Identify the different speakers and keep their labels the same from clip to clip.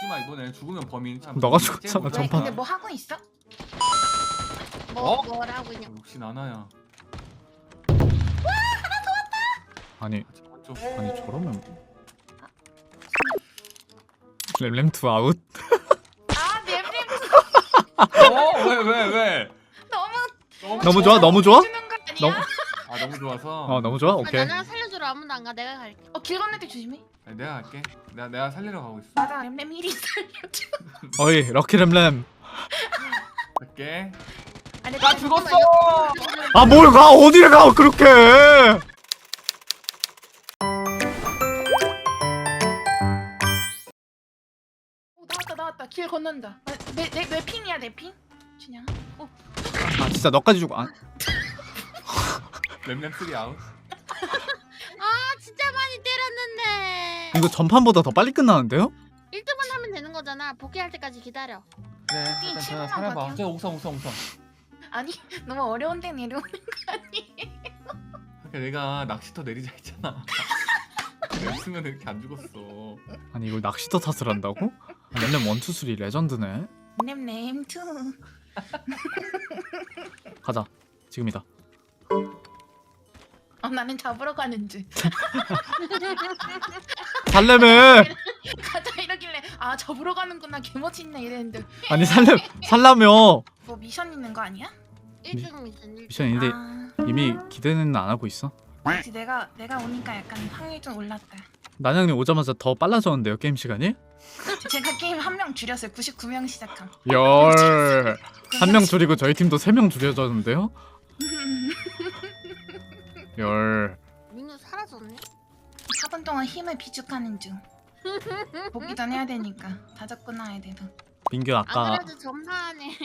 Speaker 1: 죽지마 이번에. 죽으면 범인.
Speaker 2: 너가 죽었잖아,
Speaker 3: 왜?
Speaker 2: 전판.
Speaker 3: 근데 뭐 하고 있어?
Speaker 1: 어?
Speaker 4: 뭐라고 있냐?
Speaker 1: 역시 나나야.
Speaker 2: 아니
Speaker 1: 좀
Speaker 2: 아니 저러면 램투 아웃.
Speaker 3: 아 맵림
Speaker 1: 왜?
Speaker 3: 너무
Speaker 2: 너무 좋아? 너무 좋아?
Speaker 3: 주는 거 아니야?
Speaker 2: 너무
Speaker 1: 아 너무 좋아서.
Speaker 2: 너무 좋아?
Speaker 4: 아,
Speaker 2: 오케이.
Speaker 4: 나랑 살려주러 아무도 안 가. 내가 갈게.
Speaker 3: 길 건널 때 조심해.
Speaker 1: 아니, 내가 갈게. 내가 살리러 가고 있어.
Speaker 3: 맞아 램램 1위 살려줘.
Speaker 2: 어이 럭키램램.
Speaker 1: 갈게.
Speaker 3: 아니
Speaker 1: 나 죽었어.
Speaker 2: 아 뭘 가? 어디를 가 그렇게?
Speaker 3: 나왔다 길 건넌다. 내 핑이야 내 핑? 준영아.
Speaker 2: 아 진짜 너까지 죽어. 아,
Speaker 1: 램램 3 아웃.
Speaker 4: 아 진짜 많이 때렸는데.
Speaker 2: 이거 전판보다 더 빨리 끝나는데요?
Speaker 4: 1등만 하면 되는 거잖아. 복귀할 때까지 기다려.
Speaker 1: 그래.
Speaker 3: 이
Speaker 1: 일단
Speaker 3: 친구만
Speaker 1: 제가 살아봐.
Speaker 3: 버텨.
Speaker 1: 저 옥상.
Speaker 3: 아니 너무 어려운 데 내려오는 거 아니?
Speaker 1: 그러니까 내가 낚시터 내리자 했잖아. 냈으면 이렇게 안 죽었어.
Speaker 2: 아니 이걸 낚시터 탓을 한다고? 아, 램램 1, 2, 3 레전드네.
Speaker 3: 램램 2.
Speaker 2: 가자. 지금이다.
Speaker 3: 나는 잡으러 가는 줄.
Speaker 2: 살려면
Speaker 3: 가자 이러길래 아 잡으러 가는구나 개멋있네 이랬는데
Speaker 2: 아니 살라며
Speaker 3: 뭐 미션 있는 거 아니야?
Speaker 4: 1등 미션 1등.
Speaker 2: 미션인데
Speaker 3: 아
Speaker 2: 이미 기대는 안 하고 있어.
Speaker 3: 그치 내가 오니까 약간 확률 좀 올랐다.
Speaker 2: 난영님 오자마자 더 빨라졌는데요 게임 시간이?
Speaker 3: 제가 게임 한 명 줄였어요. 99명 시작함.
Speaker 2: 열. 한 명 줄이고 저희 팀도 3명 줄여졌는데요? 열.
Speaker 4: 민우 사라졌네.
Speaker 3: 4분 동안 힘을 비축하는 중. 복귀 전 해야 되니까 다 적고 나야 돼서.
Speaker 2: 민규
Speaker 4: 안
Speaker 2: 아까
Speaker 4: 그래도 전판에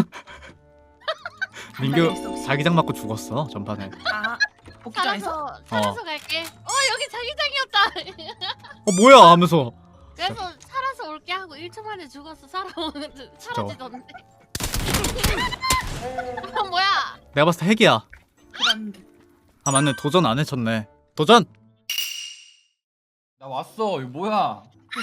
Speaker 2: 민규 자기장 맞고 죽었어 전판에.
Speaker 3: 아 복귀 전에서?
Speaker 4: 살아서 갈게. 여기 자기장이었다.
Speaker 2: 뭐야 하면서
Speaker 4: 그래서 살아서 올게 하고 1초 만에 죽었어. 사라지던데. 뭐야?
Speaker 2: 내가 봤을 때 핵이야.
Speaker 3: 그런데
Speaker 2: 아 맞네 도전 안 해쳤네. 도전!
Speaker 1: 나 왔어. 이거 뭐야?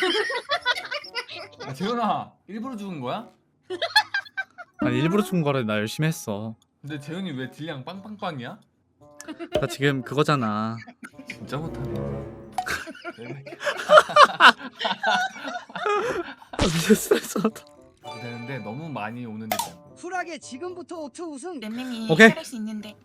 Speaker 1: 야, 재현아 일부러 죽은 거야?
Speaker 2: 아니 일부러 죽은 거를 나 열심히 했어.
Speaker 1: 근데 재현이 왜 딜량 빵빵빵이야?
Speaker 2: 나 지금 그거잖아.
Speaker 1: 진짜 못하네.
Speaker 2: 진짜 스트레스받아.
Speaker 1: 되는데 너무 많이 오는데.
Speaker 5: 쿨하게 지금부터 오투 우승.
Speaker 3: 램램이
Speaker 2: 오케이.
Speaker 3: 살릴 수 있는데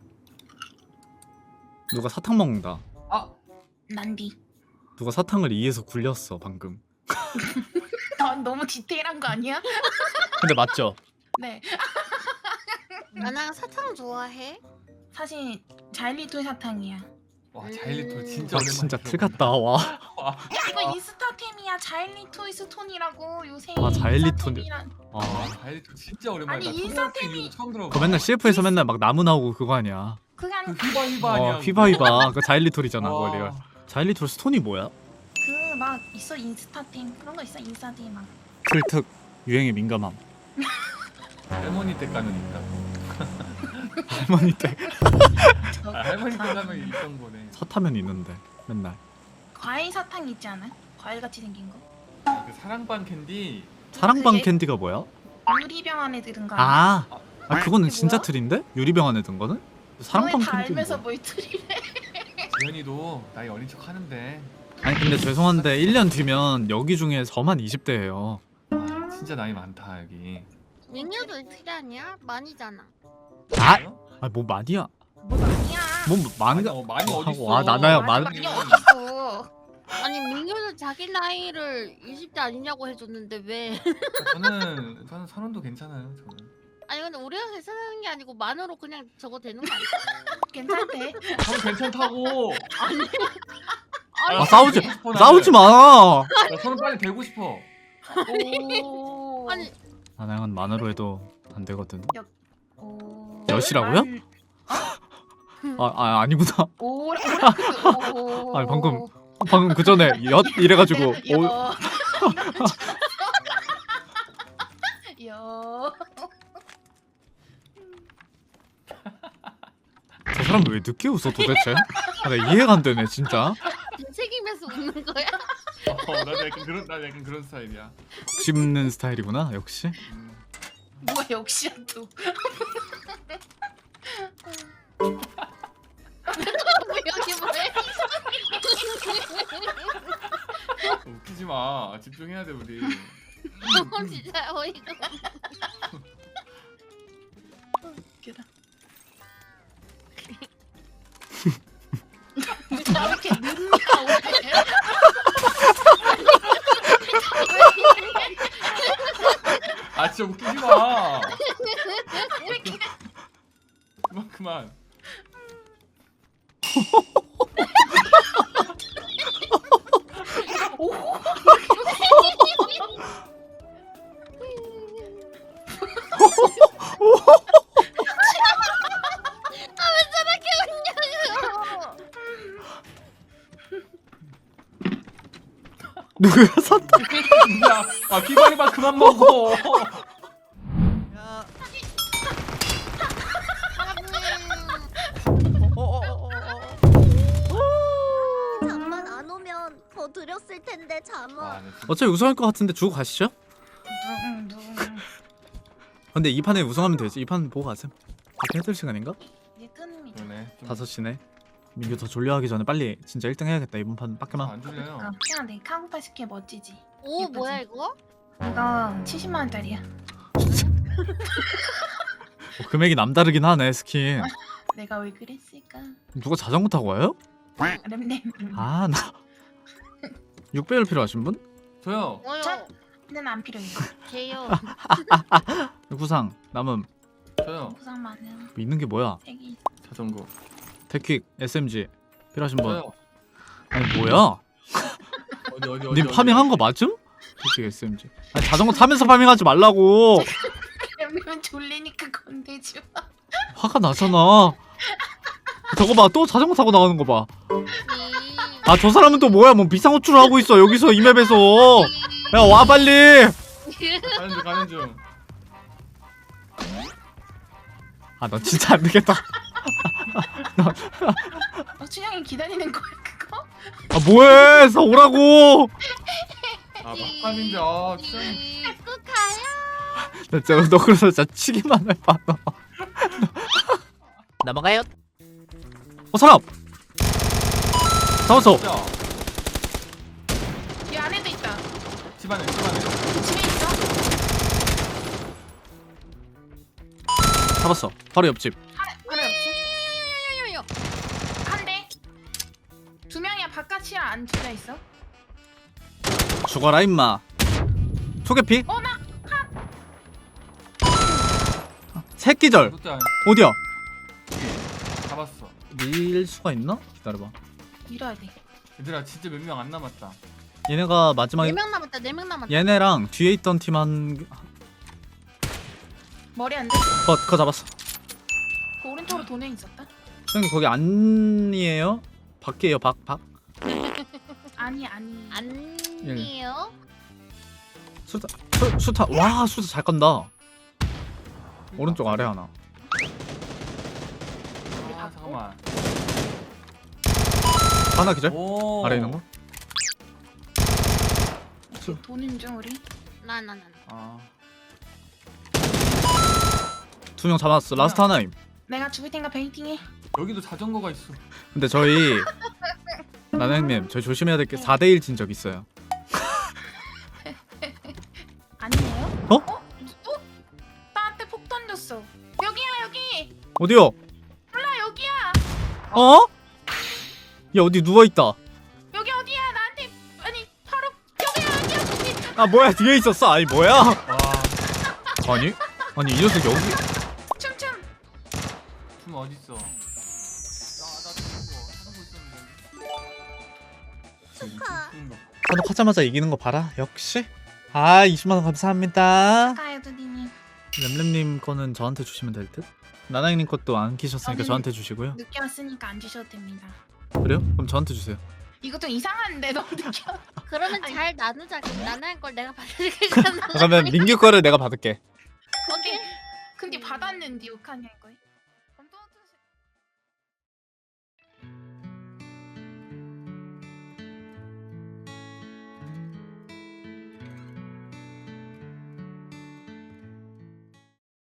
Speaker 2: 누가 사탕 먹는다.
Speaker 1: 아
Speaker 3: 난디.
Speaker 2: 누가 사탕을 이에서 굴렸어 방금.
Speaker 3: 넌 너무 디테일한 거 아니야?
Speaker 2: 근데 맞죠?
Speaker 3: 네.
Speaker 4: 나랑 사탕 좋아해?
Speaker 3: 사실 자일리톨 사탕이야.
Speaker 1: 와 자일리톨 진짜
Speaker 2: 아
Speaker 1: 오랜만에.
Speaker 2: 진짜
Speaker 1: 들어봐.
Speaker 2: 틀 같다 와.
Speaker 3: 야 이거 인스타템이야. 자일리톨 스톤이라고 요새.
Speaker 2: 아, 자일리톨.
Speaker 3: 인스타템이란-
Speaker 2: 아
Speaker 1: 자일리톨 진짜 오랜만에.
Speaker 3: 아니,
Speaker 1: 나 초등학생
Speaker 3: 인스타템이-
Speaker 1: 이후로 처음 들어봐.
Speaker 2: 그거 맨날 CF에서 맨날 막 나무 나오고 그거 아니야.
Speaker 3: 그게
Speaker 1: 그
Speaker 3: 아니고
Speaker 1: 휘바 아니야?
Speaker 2: 휘바휘바 그 자일리톨이잖아
Speaker 1: 와.
Speaker 2: 그거 내가. 자일리톨 스톤이 뭐야?
Speaker 3: 그 막 있어 인스타템 그런 거 있어 인스타템 막.
Speaker 2: 틀특 유행에 민감함.
Speaker 1: 할머니 때 가면 있다.
Speaker 2: 할머니 때
Speaker 1: 할머니 때 가면 있던 거네.
Speaker 2: 사타면 있는데 맨날.
Speaker 3: 과일 사탕 있지 않아? 과일 같이 생긴 거.
Speaker 1: 그 사랑방 캔디.
Speaker 2: 사랑방
Speaker 3: 그게-
Speaker 2: 캔디가 뭐야?
Speaker 3: 유리병 안에 들은 거 아니야?
Speaker 2: 아 그거는
Speaker 3: 그게
Speaker 2: 진짜
Speaker 3: 뭐야?
Speaker 2: 틀인데? 유리병 안에 든 거는? 사랑방
Speaker 3: 너네 다
Speaker 2: 캔디.
Speaker 3: 알면서 뭘 틀이래?
Speaker 1: 재현이도 나이 어린 척 하는데.
Speaker 2: 아니 근데 죄송한데 1년 뒤면 여기 중에 저만 20대예요.
Speaker 1: 와 진짜 나이 많다 여기.
Speaker 4: 민우도 이틀이 아니야? 많이잖아.
Speaker 2: 아뭐 많이야?
Speaker 3: 뭐 아니야.
Speaker 2: 뭐 많이가
Speaker 1: 많이 어딨어.
Speaker 2: 와 나나야 많.
Speaker 3: 많이 어딨어.
Speaker 4: 아니 민우는 자기 나이를 20대 아니냐고 해줬는데 왜?
Speaker 1: 저는 서른도 괜찮아요. 저는.
Speaker 4: 아니 근데 우리가 계산하는 게 아니고 만으로 그냥 저거 되는 거 아니야?
Speaker 3: 괜찮대.
Speaker 1: 저는 괜찮다고.
Speaker 2: 아 싸우지
Speaker 1: 되고 싶어, 나는.
Speaker 2: 싸우지 마.
Speaker 1: 나 서른 빨리 되고 싶어.
Speaker 3: 오.
Speaker 4: 아니
Speaker 2: 나나양은 만으로 해도 안 되거든.
Speaker 3: 오.
Speaker 2: 몇이라고요? 아니구나.
Speaker 3: 오.
Speaker 2: 아니, 방금 그 전에 엿 이래가지고 오,
Speaker 3: 여.
Speaker 2: 저 사람 왜 늦게 웃어 도대체? 아, 나 이해가 안 되네 진짜.
Speaker 4: 책임에서 웃는 거야?
Speaker 1: 나 약간 그런 스타일이야.
Speaker 2: 씹는 스타일이구나 역시.
Speaker 3: 뭐야 역시야 또.
Speaker 4: 여기 뭐해?
Speaker 1: 웃기지 마. 집중해야 돼 우리.
Speaker 4: 진짜 어이가.
Speaker 3: 웃기다. 왜 이렇게 늦냐 오늘?
Speaker 1: 아 진짜 웃기지 마. 그만.
Speaker 2: 누구야 샀다.
Speaker 1: 야, 아 피바리바 그만 먹어.
Speaker 6: 잠만 안 오면 더 드렸을 텐데 잠아.
Speaker 1: 아, 네, 진짜.
Speaker 2: 어차피 우승할 것 같은데 주고 가시죠.
Speaker 3: 누구?
Speaker 2: 근데 이 판에 우승하면 되지. 이 판 보고 가셈. 이렇게 해줄 시간인가?
Speaker 3: 이게 끊음이.
Speaker 1: 그러네. 좀
Speaker 2: 5시네. 민규 더 졸려하기 전에 빨리 진짜 1등 해야겠다. 이번 판 빡게만.
Speaker 1: 안 줄래요.
Speaker 3: 그냥 내 카고파 스킨 멋지지.
Speaker 4: 오
Speaker 3: 예쁘지?
Speaker 4: 뭐야 이거?
Speaker 3: 이거 70만 원짜리야.
Speaker 2: 금액이 남다르긴 하네 스킨.
Speaker 3: 내가 왜 그랬을까?
Speaker 2: 누가 자전거 타고 와요?
Speaker 3: 램램.
Speaker 2: 아 나 6배율 필요하신 분?
Speaker 1: 저요.
Speaker 4: 뭐요?
Speaker 3: 는 안 필요해요.
Speaker 4: 제요.
Speaker 2: 구상 남음
Speaker 1: 저요.
Speaker 3: 부상 많은
Speaker 2: 뭐 있는 게 뭐야?
Speaker 3: 색이.
Speaker 1: 자전거.
Speaker 2: 데퀵 SMG 필요하신 분?
Speaker 1: 저요.
Speaker 2: 아니 뭐야?
Speaker 1: 어디.
Speaker 2: 님 파밍한 거 맞음? 데퀵 SMG. 아니 자전거 타면서 파밍하지 말라고.
Speaker 3: 램램은 졸리니까 건들지 마.
Speaker 2: 화가 나잖아. 저거 봐, 또 자전거 타고 나가는 거 봐. 아, 저 사람은 또 뭐야? 뭐 비상호출을 하고 있어. 여기서 이 맵에서. 야, 와 빨리.
Speaker 1: 가는 중.
Speaker 2: 아, 나 진짜 안 되겠다.
Speaker 3: 춘향이 기다리는 거야 그거?
Speaker 2: 아, 뭐해? 서 오라고.
Speaker 1: 아 막판인데 아 진짜.
Speaker 4: 또 가요.
Speaker 2: 나 진짜 너 그래서 진짜 치기만 해 봐. 너. 넘어가요. 사람. 잡았어.
Speaker 1: 진짜.
Speaker 3: 이 안에도 있다.
Speaker 1: 집안에.
Speaker 3: 집에 있어.
Speaker 2: 잡았어. 바로 옆집.
Speaker 3: 하나 없지? 한 대. 두 명이야. 바깥이야 안 둘다 있어.
Speaker 2: 죽어라 임마. 초계피?
Speaker 3: 나
Speaker 2: 새끼절.
Speaker 1: 그것도 아니.
Speaker 2: 어디야?
Speaker 1: 잡았어.
Speaker 2: 밀 수가 있나? 기다려봐.
Speaker 3: 밀어야 돼.
Speaker 1: 얘들아 진짜 몇 명 안 남았다.
Speaker 2: 얘네가 마지막에
Speaker 4: 4명 남았다. 4명 남았다.
Speaker 2: 얘네랑 뒤에 있던 팀 한
Speaker 3: 머리 안 돼.
Speaker 2: 그거 잡았어.
Speaker 3: 그 오른쪽으로 도는 있었다.
Speaker 2: 형님 거기 안이에요? 밖이에요 밖.
Speaker 3: 아니.
Speaker 4: 아니에요?
Speaker 2: 수타 와 수타 잘 건다. 오른쪽 아래 하나.
Speaker 1: 아 잠깐만.
Speaker 2: 하나 기절?
Speaker 1: 오.
Speaker 2: 아래 있는 거?
Speaker 3: 도는 중 우리.
Speaker 4: 나.
Speaker 1: 아.
Speaker 2: 2명 잡았어. 라스트 하나임.
Speaker 3: 내가 죽을 테니까 베이팅해.
Speaker 1: 여기도 자전거가 있어.
Speaker 2: 근데 저희 나나형님 저희 조심해야 될 게 4대1 진 적 있어요.
Speaker 3: 아니에요?
Speaker 2: 어?
Speaker 3: 누구? 나한테 폭 던졌어. 여기야 여기.
Speaker 2: 어디요?
Speaker 3: 몰라 여기야.
Speaker 2: 어? 야 어디 누워있다.
Speaker 3: 여기 어디야? 나한테 아니 바로 여기야 여기.
Speaker 2: 아 뭐야 뒤에 있었어. 아니 뭐야?
Speaker 1: 와.
Speaker 2: 아니 이 녀석 여기
Speaker 3: 춤춤.
Speaker 1: 춤 어디 있어? 나 자전거 있었는데.
Speaker 6: 축하.
Speaker 2: 하자마자 이기는 거 봐라. 역시. 아 20만원 감사합니다.
Speaker 3: 가요 두디님.
Speaker 2: 램램님 거는 저한테 주시면 될 듯? 나나형님 것도 안 키셨으니까
Speaker 3: 저는-
Speaker 2: 저한테 주시고요.
Speaker 3: 늦게 왔으니까 안 주셔도 됩니다.
Speaker 2: 그래요? 그럼 저한테 주세요.
Speaker 3: 이거 좀 이상한데 너무 늦게 왔.
Speaker 4: 그러면
Speaker 3: 아니.
Speaker 4: 잘 나누자. 그럼 나는 걸 내가 받을게.
Speaker 2: 그러면 민규 거를 내가 받을게.
Speaker 4: 오케이.
Speaker 3: 근데 받았는데 욕하냐 이거.